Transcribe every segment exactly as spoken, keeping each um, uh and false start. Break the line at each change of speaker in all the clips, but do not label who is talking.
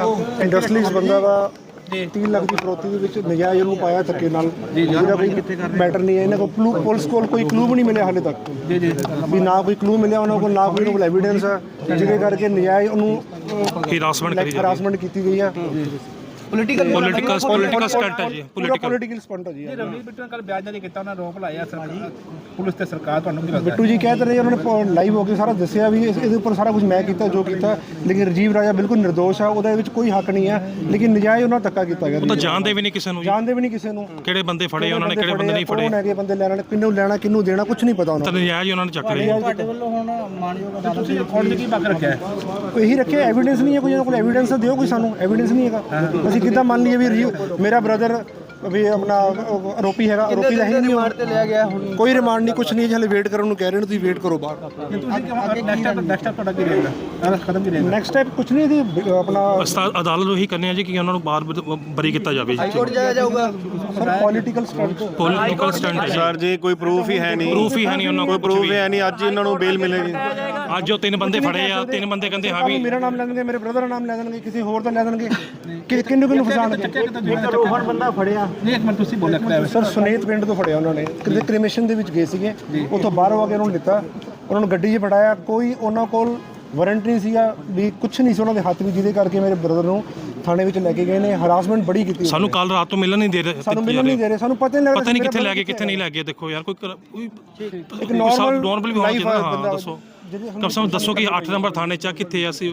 Industries ਬੰਦਾ ਵਾ तीन लाख की फरोती ਦੇ ਵਿੱਚ ਨਜਾਇਜ਼ ਉਹਨੂੰ ਪਾਇਆ ਧੱਕੇ ਨਾਲ ਜਿਹਦਾ ਕੋਈ ਮੈਟਰ ਨਹੀਂ ਹੈ। ਇਹਨਾਂ ਕੋਲ ਕਲੂ ਪੁਲਿਸ ਕੋਲ ਕੋਈ ਕਲੂ ਵੀ ਨਹੀਂ ਮਿਲਿਆ ਹਾਲੇ ਤੱਕ ਜੀ ਜੀ ਵੀ ਨਾ ਕੋਈ ਕਲੂ ਮਿਲਿਆ ਉਹਨਾਂ ਕੋਲ, ਨਾ ਕੋਈ ਐਵੀਡੈਂਸ ਹੈ, ਜਿਹਦੇ ਕਰਕੇ ਨਜਾਇਜ਼ ਉਹਨੂੰ
ਹਿਰਾਸਮੈਂਟ ਕਰੀ
ਹਰਾਸਮੈਂਟ ਕੀਤੀ ਗਈ ਆ।
ਪੋਲੀਟੀਕਲ ਪੋਲੀਟੀਕਲ ਪੋਲੀਟੀਕਲ ਸਟੰਟ ਹੈ ਜੀ,
ਪੋਲੀਟੀਕਲ ਪੋਲੀਟੀਕਲ ਸਟੰਟ ਹੈ ਜੀ।
ਰਵਨੀਤ ਬਿੱਟੂ ਨੇ ਕੱਲ ਬਿਆਨ ਜਾਰੀ ਕੀਤਾ, ਉਹਨਾਂ ਰੋਪ ਲਾਇਆ ਸਰਕਾਰ ਪੁਲਿਸ ਤੇ ਸਰਕਾਰ। ਤੁਹਾਨੂੰ ਕੀ ਲੱਗਦਾ?
ਬਿੱਟੂ ਜੀ ਕਹਿ ਰਹੇ ਉਹਨਾਂ ਨੇ ਲਾਈਵ ਹੋ ਕੇ ਸਾਰਾ ਦੱਸਿਆ ਵੀ ਇਸ- ਇਹਦੇ ਉੱਪਰ ਸਾਰਾ ਕੁਝ ਮੈਂ ਕੀਤਾ ਜੋ ਕੀਤਾ, ਲੇਕਿਨ ਰਾਜੀਵ ਰਾਜਾ ਬਿਲਕੁਲ ਨਿਰਦੋਸ਼ ਆ, ਉਹਦੇ ਵਿੱਚ ਕੋਈ ਹੱਕ ਨਹੀਂ ਹੈ, ਲੇਕਿਨ ਨਜਾਇਜ਼ ਉਹਨਾਂ ਧੱਕਾ ਕੀਤਾ ਗਿਆ।
ਉਹ ਤਾਂ ਜਾਣਦੇ ਵੀ ਨਹੀਂ ਕਿਸੇ ਨੂੰ,
ਜਾਣਦੇ ਵੀ ਨਹੀਂ ਕਿਸੇ ਨੂੰ
ਕਿਹੜੇ ਬੰਦੇ ਫੜੇ ਉਹਨਾਂ ਨੇ, ਕਿਹੜੇ ਬੰਦੇ ਨਹੀਂ ਫੜੇ,
ਕੌਣ ਹੈਗੇ ਬੰਦੇ ਲੈਣਾ, ਕਿੰਨੂੰ ਲੈਣਾ ਕਿੰਨੂੰ ਦੇਣਾ, ਕੁਝ ਨਹੀਂ ਪਤਾ ਉਹਨਾਂ
ਨੂੰ। ਤਾਂ ਨਜਾਇਜ਼ ਉਹਨਾਂ ਨੇ ਚੱਕ ਲਿਆ।
ਤੁਹਾਡੇ ਵੱਲੋਂ ਹੁਣ ਮਾਨਯੋਗ ਅਦਾਲਤ ਤੁਸੀਂ ਰਿਕਾਰਡ ਕੀ ਪੱਕ ਰੱਖਿਆ ਹੈ?
ਇਹੀ ਰੱਖਿਆ, ਐਵੀਡੈਂਸ ਨਹੀਂ ਹੈ ਕੋਈ, ਉਹਨਾਂ ਕੋਲ ਐਵੀਡੈਂਸ ਦਿਓ ਕੋਈ, ਸਾਨੂੰ ਐਵੀਡੈਂਸ ਨਹੀਂ ਹੈਗਾ। ਅਸੀਂ ਕਿੱਦਾਂ ਮੰਨ ਲਈਏ ਵੀ ਮੇਰਾ ਬ੍ਰਦਰ ਵੀ ਆਪਣਾ ਆਰੋਪੀ ਹੈਗਾ, ਆਰੋਪੀ ਦਾ ਹੀ ਨਹੀਂ ਰਿਮਾਂਡ ਤੇ ਲਿਆ ਗਿਆ, ਕੋਈ ਰਿਮਾਂਡ ਨਹੀਂ, ਕੁਝ ਨਹੀਂ, ਹਲੇ ਵੇਟ ਕਰਨ ਨੂੰ ਕਹਿ ਰਹੇ ਨੇ, ਤੁਸੀਂ ਵੇਟ ਕਰੋ ਬਾਹਰ।
ਤੁਸੀਂ ਨੈਕਸਟ ਸਟੈਪ ਨੈਕਸਟ ਸਟੈਪ ਤੁਹਾਡਾ ਕੀ ਰਹੇਗਾ? ਕਦਮ ਕੀ ਰਹੇਗਾ?
ਨੈਕਸਟ ਸਟੈਪ ਕੁਝ ਨਹੀਂ, ਦੀ ਆਪਣਾ
ਅਦਾਲਤ ਨੂੰ ਇਹੀ ਕਰਨੀ ਹੈ ਜੀ ਕਿ ਉਹਨਾਂ ਨੂੰ ਬਾਹਰ ਬਰੀ ਕੀਤਾ ਜਾਵੇ।
ਕੋਰਟ ਜਾਇਆ ਜਾਊਗਾ sir. Political stunt
political stunt ਹੈ
ਸਰ ਜੀ, ਕੋਈ ਪ੍ਰੂਫ ਹੀ ਹੈ ਨਹੀਂ,
ਪ੍ਰੂਫ ਹੀ ਹੈ ਨਹੀਂ ਉਹਨਾਂ
ਕੋਈ
ਕੋਲ,
ਪ੍ਰੂਫ ਹੈ ਨਹੀਂ। ਅੱਜ ਇਹਨਾਂ ਨੂੰ ਬੇਲ ਮਿਲੇਗੀ।
ਅੱਜ ਉਹ ਤਿੰਨ ਬੰਦੇ ਫੜੇ ਆ, ਤਿੰਨ ਬੰਦੇ ਕਹਿੰਦੇ ਹਾਂ ਵੀ
ਮੇਰਾ ਨਾਮ ਲੈ ਦੇਣਗੇ, ਮੇਰੇ ਬ੍ਰਦਰ ਦਾ ਨਾਮ ਲੈ ਦੇਣਗੇ, ਕਿਸੇ ਹੋਰ ਦਾ ਲੈ ਦੇਣਗੇ, ਕਿ ਕਿੰਨੂੰ ਕਿੰਨੂੰ ਫਸਾਣਗੇ। ਰੋਹਨ ਬੰਦਾ ਫੜਿਆ
ਨਹੀਂ, ਇੱਕ ਮਿੰਟ ਤੁਸੀਂ ਬੋਲਿਆ
ਸਰ, ਸੁਨੀਤ ਪਿੰਡ ਤੋਂ ਫੜਿਆ ਉਹਨਾਂ ਨੇ, ਕਿਤੇ ਕ੍ਰਿਮੇਸ਼ਨ ਦੇ ਵਿੱਚ ਗਏ ਸੀਗੇ, ਉੱਥੋਂ ਬਾਹਰੋਂ ਆ ਕੇ ਉਹਨਾਂ ਨੂੰ ਲਿੱਤਾ, ਉਹਨਾਂ ਨੂੰ ਗੱਡੀ 'ਚ ਫੜਾਇਆ, ਕੋਈ ਉਹਨਾਂ ਕੋਲ ਵਾਰੰਟ ਨਹੀਂ ਸੀਗਾ ਵੀ ਕੁਝ ਨਹੀਂ ਸੀ ਉਹਨਾਂ ਦੇ ਹੱਥ ਵਿੱਚ, ਜਿਹਦੇ ਕਰਕੇ ਮੇਰੇ ਬ੍ਰਦਰ ਨੂੰ ਥਾਣੇ ਵਿੱਚ ਲੈ ਕੇ ਗਏ ਨੇ, ਹਰਾਸਮੈਂਟ ਬੜੀ ਕੀਤੀ।
ਸਾਨੂੰ ਕੱਲ ਰਾਤ ਤੋਂ ਮਿਲਣ ਨਹੀਂ ਦੇ ਰਹੇ,
ਸਾਨੂੰ ਮਿਲਣ ਨਹੀਂ ਦੇ ਰਹੇ, ਸਾਨੂੰ ਪਤਾ ਨਹੀਂ ਲੱਗਦਾ
ਪਤਾ ਨਹੀਂ ਕਿੱਥੇ ਲੈ ਗਏ ਕਿੱਥੇ ਨਹੀਂ ਲੈ ਗਏ। ਦੇਖੋ ਯਾਰ, ਕੋਈ ਕੋਈ
ਇੱਕ ਨਾਰਮਲ
ਨਾਰਮਲ ਵੀ ਹੋਣਾ ਚਾਹੀਦਾ। ਹਾਂ ਦੱਸੋ, ਕਮ ਸੇ ਕਮ ਦੱਸੋ ਕਿ ਅੱਠ ਨੰਬਰ ਥਾਣੇ 'ਚ ਕਿੱਥੇ ਅਸੀਂ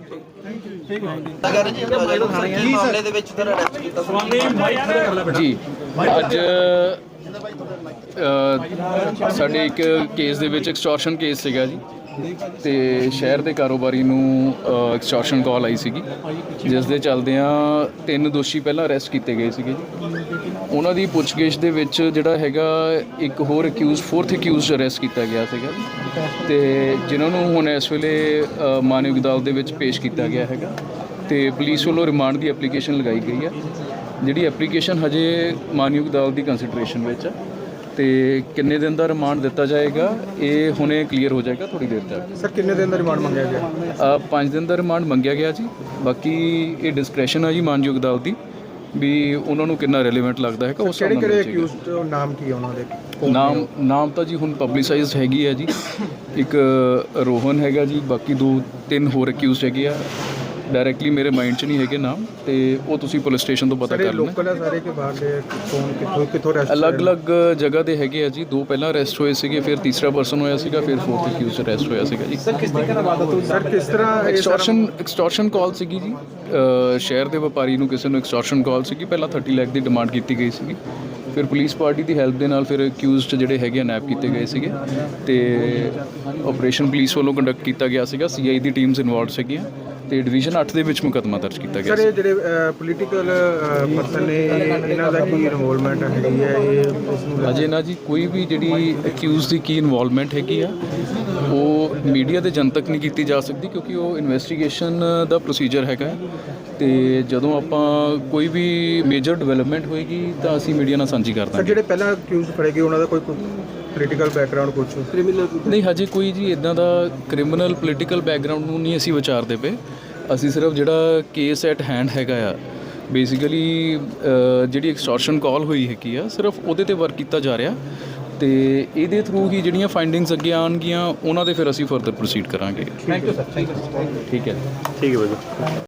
ਜੀ। ਅੱਜ ਸਾਡੇ ਇੱਕ ਕੇਸ ਦੇ ਵਿੱਚ ਐਕਸਟੋਰਸ਼ਨ ਕੇਸ ਸੀਗਾ ਜੀ, ਤੇ ਸ਼ਹਿਰ ਦੇ ਕਾਰੋਬਾਰੀ ਨੂੰ ਐਕਸਟੋਰਸ਼ਨ ਕਾਲ ਆਈ ਸੀਗੀ, ਜਿਸ ਦੇ ਚੱਲਦਿਆਂ ਤਿੰਨ ਦੋਸ਼ੀ ਪਹਿਲਾਂ ਅਰੈਸਟ ਕੀਤੇ ਗਏ ਸੀਗੇ ਜੀ। ਉਹਨਾਂ ਦੀ ਪੁੱਛਗਿੱਛ ਦੇ ਵਿੱਚ ਜਿਹੜਾ ਹੈਗਾ ਇੱਕ ਹੋਰ ਅਕਿਊਜ਼ ਫੋਰਥ ਅਕਿਊਜ਼ ਅਰੈਸਟ ਕੀਤਾ ਗਿਆ ਸੀਗਾ, ਤੇ ਜਿਨ੍ਹਾਂ ਨੂੰ ਹੁਣ ਇਸ ਵੇਲੇ ਮਾਨਯੋਗ ਅਦਾਲਤ ਦੇ ਵਿੱਚ ਪੇਸ਼ ਕੀਤਾ ਗਿਆ ਹੈਗਾ, ਤੇ ਪੁਲਿਸ ਵੱਲੋਂ ਰਿਮਾਂਡ ਦੀ ਐਪਲੀਕੇਸ਼ਨ ਲਗਾਈ ਗਈ ਹੈ, ਜਿਹੜੀ ਐਪਲੀਕੇਸ਼ਨ ਹਜੇ ਮਾਨਯੋਗ ਅਦਾਲਤ ਦੀ ਕੰਸੀਡਰੇਸ਼ਨ ਵਿੱਚ ਹੈ, ਤੇ ਕਿੰਨੇ ਦਿਨ ਦਾ ਰਿਮਾਂਡ ਦਿੱਤਾ ਜਾਏਗਾ ਇਹ ਹੁਣੇ ਕਲੀਅਰ ਹੋ ਜਾਏਗਾ ਥੋੜੀ ਦੇਰ ਤੱਕ।
ਸਰ, ਕਿੰਨੇ ਦਿਨ ਦਾ ਰਿਮਾਂਡ ਮੰਗਿਆ ਗਿਆ?
ਪੰਜ ਦਿਨ ਦਾ ਰਿਮਾਂਡ ਮੰਗਿਆ ਗਿਆ ਜੀ, ਬਾਕੀ ਇਹ ਡਿਸਕ੍ਰੈਸ਼ਨ ਹੈ ਜੀ ਮਾਨਯੋਗ ਅਦਾਲਤ ਦੀ ਵੀ ਉਹਨਾਂ ਨੂੰ ਕਿੰਨਾ ਰੈਲੇਵੈਂਟ ਲੱਗਦਾ ਹੈਗਾ। ਉਸ
ਕਿਹੜੇ ਕਿਹੜੇ ਅਕਿਊਜ਼ਡ ਨਾਮ ਕੀ ਉਹਨਾਂ ਦੇ?
ਨਾਮ ਨਾਮ ਤਾਂ ਜੀ ਹੁਣ ਪਬਲਿਸਾਈਜ਼ਡ ਹੈਗੀ ਹੈ ਜੀ, ਇੱਕ ਰੋਹਨ ਹੈਗਾ ਜੀ, ਬਾਕੀ ਦੋ ਤਿੰਨ ਹੋਰ ਅਕਿਊਜ਼ਡ ਹੈਗੇ ਆ, ਡਾਇਰੈਕਟਲੀ ਮੇਰੇ ਮਾਈਂਡ 'ਚ ਨਹੀਂ ਹੈਗੇ ਨਾਮ, ਤੇ ਉਹ ਤੁਸੀਂ ਪੁਲਿਸ ਸਟੇਸ਼ਨ ਤੋਂ ਪਤਾ ਕਰ ਲੈਣਾ।
ਲੋਕਲ ਹੈ ਸਾਰੇ ਕਿ ਬਾਹਰ ਦੇ? ਕੌਣ ਕਿੱਥੋਂ ਕਿੱਥੋਂ ਅਰੈਸਟ?
ਅਲੱਗ-ਅਲੱਗ ਜਗ੍ਹਾ ਦੇ ਹੈਗੇ ਆ ਜੀ, ਦੋ ਪਹਿਲਾਂ ਅਰੈਸਟ ਹੋਏ ਸੀਗੇ, ਫਿਰ ਤੀਸਰਾ ਪਰਸਨ ਹੋਇਆ ਸੀਗਾ, ਫਿਰ ਫੋਰਥ ਅਕਿਊਜ਼ ਅਰੈਸਟ ਹੋਇਆ ਸੀਗਾ ਜੀ।
ਸਰ, ਕਿਸ ਤਰੀਕੇ ਨਾਲ ਵਾਦਾ ਤੁਸੀਂ? ਸਰ, ਕਿਸ ਤਰ੍ਹਾਂ
ਐਕਸਟੋਰਸ਼ਨ ਐਕਸਟੋਰਸ਼ਨ ਕਾਲ ਸੀਗੀ ਜੀ, ਸ਼ਹਿਰ ਦੇ ਵਪਾਰੀ ਨੂੰ ਕਿਸੇ ਨੂੰ ਐਕਸਟੋਰਸ਼ਨ ਕਾਲ ਸੀਗੀ, ਪਹਿਲਾਂ ਥਰਟੀ ਲੱਖ ਦੀ ਡਿਮਾਂਡ ਕੀਤੀ ਗਈ ਸੀਗੀ, ਫਿਰ ਪੁਲਿਸ ਪਾਰਟੀ ਦੀ ਹੈਲਪ ਦੇ ਨਾਲ ਫਿਰ ਅਕਿਊਜ਼ਡ ਜਿਹੜੇ ਹੈਗੇ ਆ ਨੈਪ ਕੀਤੇ ਗਏ ਸੀਗੇ, ਤੇ ਆਪਰੇਸ਼ਨ ਪੁਲਿਸ ਵੱਲੋਂ ਕੰਡਕਟ ਕੀਤਾ ਗਿਆ ਸੀਗਾ, ਸੀ ਆਈ ਦੀ ਟੀਮਸ ਇਨਵੋਲਵਡ ਸੀਗੀਆਂ, ਤੇ ਡਿਵੀਜ਼ਨ ਅੱਠ ਦੇ ਵਿੱਚ ਮੁਕੱਦਮਾ ਦਰਜ ਕੀਤਾ ਗਿਆ।
ਸਰ, ਇਹ ਜਿਹੜੇ ਪੋਲੀਟੀਕਲ ਪਰਸਨ ਨੇ, ਇਹਨਾਂ ਦਾ ਕੀ ਇਨਵੋਲਵਮੈਂਟ ਹੈਗੀ ਹੈ ਇਹ ਇਸ ਨੂੰ?
ਅਜੇ ਨਾ ਜੀ ਕੋਈ ਵੀ ਜਿਹੜੀ ਅਕਿਊਜ਼ ਦੀ ਕੀ ਇਨਵੋਲਵਮੈਂਟ ਹੈਗੀ ਆ ਉਹ ਮੀਡੀਆ ਦੇ ਜਨਤਕ ਨਹੀਂ ਕੀਤੀ ਜਾ ਸਕਦੀ, ਕਿਉਂਕਿ ਉਹ ਇਨਵੈਸਟੀਗੇਸ਼ਨ ਦਾ ਪ੍ਰੋਸੀਜਰ ਹੈਗਾ, ਤੇ ਜਦੋਂ ਆਪਾਂ ਕੋਈ ਵੀ ਮੇਜਰ ਡਿਵੈਲਪਮੈਂਟ ਹੋਏਗੀ ਤਾਂ ਅਸੀਂ ਮੀਡੀਆ ਨਾਲ ਸਾਂਝੀ ਕਰ ਦਾਂਗੇ।
ਸਰ, ਜਿਹੜੇ ਪਹਿਲਾਂ ਅਕਿਊਜ਼ ਫੜੇ ਗਏ ਉਹਨਾਂ ਦਾ ਕੋਈ ਪੋਲੀਟੀਕਲ ਬੈਕਗ੍ਰਾਉਂਡ ਕੁਝ ਕ੍ਰਿਮੀਨਲ?
ਨਹੀਂ, ਹਜੇ ਕੋਈ ਜੀ ਇਦਾਂ ਦਾ ਕ੍ਰਿਮੀਨਲ ਪੋਲੀਟੀਕਲ ਬੈਕਗ੍ਰਾਉਂਡ ਨੂੰ ਨਹੀਂ ਅਸੀਂ ਵਿਚਾਰਦੇ ਪਏ, ਅਸੀਂ ਸਿਰਫ ਜਿਹੜਾ ਕੇਸ ਐਟ ਹੈਂਡ ਹੈਗਾ ਆ, ਬੇਸਿਕਲੀ ਜਿਹੜੀ ਐਕਸਟੋਰਸ਼ਨ ਕਾਲ ਹੋਈ ਹੈਗੀ ਆ, ਸਿਰਫ ਉਹਦੇ ਤੇ ਵਰਕ ਕੀਤਾ ਜਾ ਰਿਹਾ, ਤੇ ਇਹਦੇ ਥਰੂ ਹੀ ਜਿਹੜੀਆਂ ਫਾਈਂਡਿੰਗਸ ਅੱਗੇ ਆਉਣਗੀਆਂ ਉਹਨਾਂ ਦੇ ਫਿਰ ਅਸੀਂ ਫਰਦਰ ਪ੍ਰੋਸੀਡ ਕਰਾਂਗੇ।
Thank you sir. Thank you.
ਠੀਕ ਹੈ
ਠੀਕ ਹੈ ਬਾਈ।